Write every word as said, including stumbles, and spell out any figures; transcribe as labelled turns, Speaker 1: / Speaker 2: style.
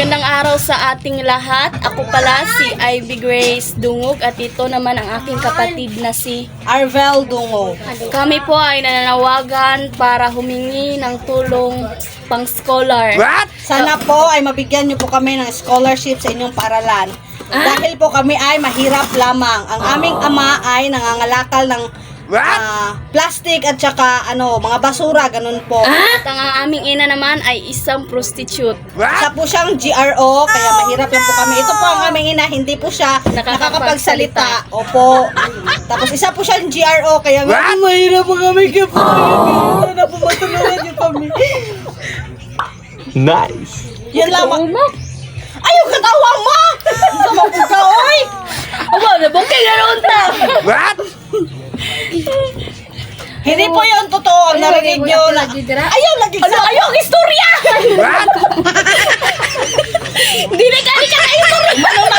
Speaker 1: Magandang araw sa ating lahat. Ako pala si Ivy Grace Dungog at ito naman ang aking kapatid na si
Speaker 2: Arvel Dungog.
Speaker 1: Kami po ay nananawagan para humingi ng tulong pang scholar.
Speaker 2: Sana po ay mabigyan niyo po kami ng scholarship sa inyong paaralan. Dahil po kami ay mahirap lamang. Ang aming ama ay nangangalakal ng ah, plastic at saka ano, mga basura, ganun po.
Speaker 1: At ang aming ina naman ay isang prostitute.
Speaker 2: Isa po siyang G R O, kaya mahirap lang po kami. Ito po ang aming ina, hindi po siya nakakapagsalita. Opo. Tapos isa po siyang G R O, kaya nga mahirap po kami. Kaya po kami. Sana po matulungan niyo kami.
Speaker 3: Nice.
Speaker 2: Yan lamang. Ayaw katawa mo! Sama po ka, oy!
Speaker 1: Aba, nabukay na noon ta!
Speaker 2: Hindi po yun totoo ang narinig nyo na ayaw lagi
Speaker 1: Ano, ayaw ang istorya! Hindi na ka, di ka na istorya!
Speaker 2: Ano na